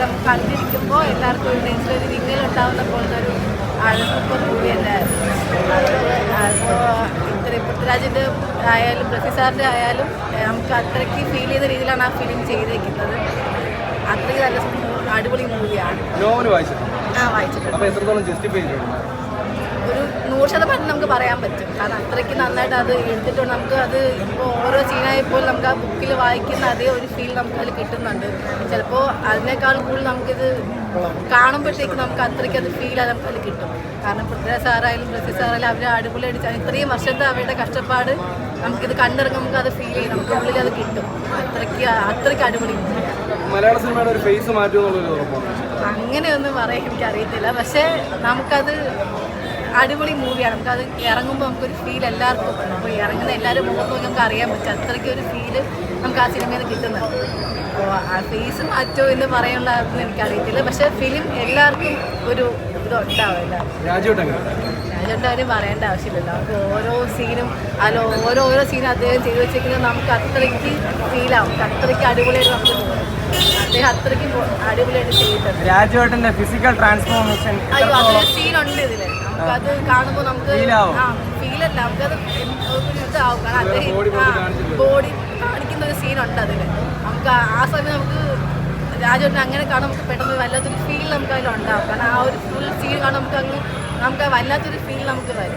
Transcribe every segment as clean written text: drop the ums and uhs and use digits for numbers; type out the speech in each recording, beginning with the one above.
കണ്ടിരിക്കുമ്പോൾ എല്ലാവർക്കും ഒരു നെഞ്ചിലൊരു വിങ്ങലുണ്ടാവുന്ന പോലത്തെ ഒരു സൂപ്പർ മൂവി തന്നെയായിരുന്നു. ഇപ്പോൾ പൃഥ്വിരാജിൻ്റെ ആയാലും ബ്രസി സാറിൻ്റെ ആയാലും നമുക്ക് അത്രയ്ക്ക് ഫീൽ ചെയ്ത രീതിയിലാണ് ആ ഫിലിം ചെയ്തേക്കുന്നത്. അത്രയ്ക്ക് നല്ല അടിപൊളി മൂവിയാണ്. വായിച്ചിട്ടുണ്ട്. ഒരു 100% നമുക്ക് പറയാൻ പറ്റും. കാരണം അത്രയ്ക്ക് നന്നായിട്ട് അത് എടുത്തിട്ടുണ്ട്. നമുക്ക് അത് ഇപ്പോൾ ഓരോ സീനായപ്പോൾ നമുക്ക് ആ ബുക്കിൽ വായിക്കുന്ന അതേ ഒരു ഫീൽ നമുക്ക് അതിൽ കിട്ടുന്നുണ്ട്. ചിലപ്പോൾ അതിനേക്കാൾ കൂടുതൽ നമുക്കിത് കാണുമ്പോഴത്തേക്ക് നമുക്ക് അത്രയ്ക്ക് അത് ഫീൽ നമുക്ക് അതിൽ കിട്ടും. കാരണം പൃഥ്വിരാജ് സാറായാലും ബ്രസി സാറായാലും അവർ അടിപൊളി അടിച്ചാൽ ഇത്രയും വർഷത്തെ അവരുടെ കഷ്ടപ്പാട് നമുക്കിത് കണ്ടിറങ്ങും, നമുക്ക് അത് ഫീൽ ചെയ്യും, നമുക്ക് ഉള്ളിൽ അത് കിട്ടും. അത്രയ്ക്ക് അടിപൊളി മലയാള സിനിമയുടെ ഒരു ഫേസ് മാറ്റുമെന്നുള്ളത് അങ്ങനെയൊന്നും പറയാൻ എനിക്കറിയത്തില്ല. പക്ഷേ നമുക്കത് അടിപൊളി മൂവിയാണ്. നമുക്കത് ഇറങ്ങുമ്പോൾ നമുക്കൊരു ഫീൽ എല്ലാവർക്കും അപ്പോൾ ഇറങ്ങുന്ന എല്ലാവരും മുഖത്തും നമുക്ക് അറിയാൻ പറ്റും. അത്രയ്ക്ക് ഒരു ഫീല് നമുക്ക് ആ സിനിമയിൽ നിന്ന് കിട്ടുന്നുണ്ട്. അപ്പോൾ ആ ഫേസ് മാറ്റോ എന്ന് പറയാനുള്ളതൊന്നും എനിക്കറിയത്തില്ല. പക്ഷേ ഫിലിം എല്ലാവർക്കും ഒരു ഇതുണ്ടാവില്ല. രാജേട്ടൻ പറയേണ്ട ആവശ്യമില്ലല്ലോ. നമുക്ക് ഓരോ സീനും ഓരോ സീനും അദ്ദേഹം ചെയ്തു വെച്ചിരിക്കുന്നത് നമുക്ക് അത്രയ്ക്ക് ഫീലാവും. അത്രയ്ക്ക് അടിപൊളിയായിട്ട് നമുക്ക് തോന്നും. അദ്ദേഹം അത്രയ്ക്ക് അടിപൊളിയായിട്ട് ചെയ്തിട്ടുണ്ട്. രാജേട്ടൻ്റെ ഫിസിക്കൽ ട്രാൻസ്ഫോർമേഷൻ അതൊരു സീനുണ്ട് ഇതിൽ. നമുക്കത് കാണുമ്പോൾ നമുക്ക് ഫീലല്ല, നമുക്കത് ഒരു ഇതാവും. കാരണം അദ്ദേഹം ബോഡി കാണിക്കുന്ന ഒരു സീനുണ്ട് അതിൽ. നമുക്ക് ആ സമയം നമുക്ക് രാജേട്ടൻ അങ്ങനെ കാണാൻ നമുക്ക് പെട്ടെന്ന് വല്ലാത്തൊരു ഫീൽ നമുക്ക് അതിലുണ്ടാവും. കാരണം ആ ഒരു ഫുൾ സീൻ കാണാൻ നമുക്ക് വല്ലാത്തൊരു ഫീൽ നമുക്ക് വരും.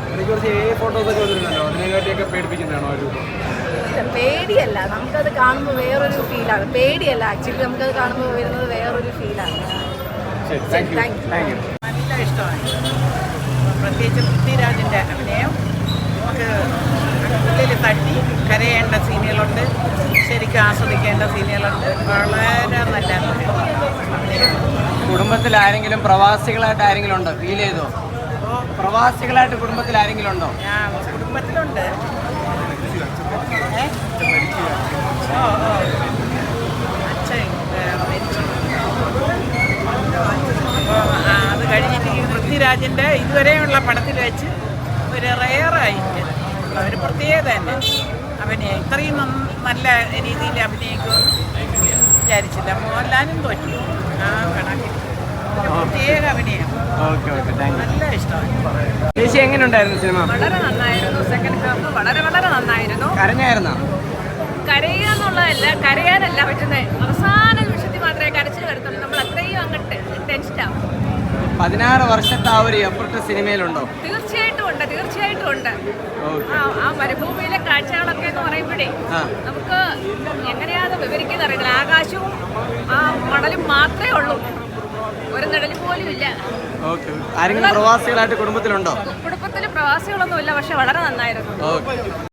പേടിയല്ല, നമുക്കത് കാണുമ്പോൾ വേറൊരു ഫീലാണ്. പേടിയല്ല, ആക്ച്വലി നമുക്കത് കാണുമ്പോൾ വരുന്നത് വേറൊരു ഫീലാണ്. നല്ല ഇഷ്ടമാണ്. പ്രത്യേകിച്ച് പൃഥ്വിരാജിൻ്റെ അഭിനയം നമുക്ക് ഉള്ളിൽ തട്ടി കരയേണ്ട സീനുകളുണ്ട്, ശരിക്കും ആസ്വദിക്കേണ്ട സീനുകളുണ്ട്. വളരെ നല്ല കുടുംബത്തിൽ ആരെങ്കിലും പ്രവാസികളായിട്ട് ആരെങ്കിലും ഉണ്ടോ? ഫീൽ ചെയ്തോ? പ്രവാസികളായിട്ട് കുടുംബത്തിൽ ആരെങ്കിലും ഉണ്ടോ? കുടുംബത്തിലുണ്ട്. അച്ഛൻ മരിച്ചു. അത് കഴിഞ്ഞിട്ട് പൃഥ്വിരാജിൻ്റെ ഇതുവരെയുള്ള പടത്തിൽ വെച്ച് ഒരു റെയറായിട്ട് ഒരു പ്രത്യേകത തന്നെ അഭിനയം. ഇത്രയും നല്ല രീതിയിൽ അഭിനയിക്കുമെന്ന് വിചാരിച്ചില്ല. മോഹൻലാലും തോറ്റി ആ കണക്കിൽ പ്രത്യേക അഭിനയം. നല്ല ഇഷ്ടമായി. ചേച്ചി എങ്ങനെ ഉണ്ടായിരുന്നു സിനിമ? വളരെ നന്നായിരുന്നു. സെക്കൻഡ് ഹാഫ് വളരെ നന്നായിരുന്നു. കരഞ്ഞായിരുന്നോ? കരയുക എന്നുള്ളതല്ല, കരയാനല്ല പറ്റുന്നത്. അവസാന നിമിഷത്തിൽ മാത്രമേ കരച്ചിൽ വരുത്തുള്ളൂ. നമ്മൾ അത്രയും അങ്ങോട്ട് ടെൻഷനാവും. 16 വർഷത്തെ ആ ഒരു എഫർട്ട് സിനിമയിലുണ്ടോ? തീർച്ചയായിട്ടും ഉണ്ട്. ആ മരുഭൂമിയിലെ കാഴ്ചകളൊക്കെ എന്ന് പറയുമ്പോഴേ നമുക്ക് എങ്ങനെയാണെന്ന് വിവരിക്കുന്ന അറിയില്ല. ആകാശവും ആ മണലും മാത്രമേ ഉള്ളൂ, ഒരു നിഴൽ പോലും ഇല്ല. ആരെങ്കിലും പ്രവാസികളായിട്ട് കുടുംബത്തിലുണ്ടോ? കുടുംബത്തിൽ പ്രവാസികളൊന്നും ഇല്ല, പക്ഷെ വളരെ നന്നായിരുന്നു.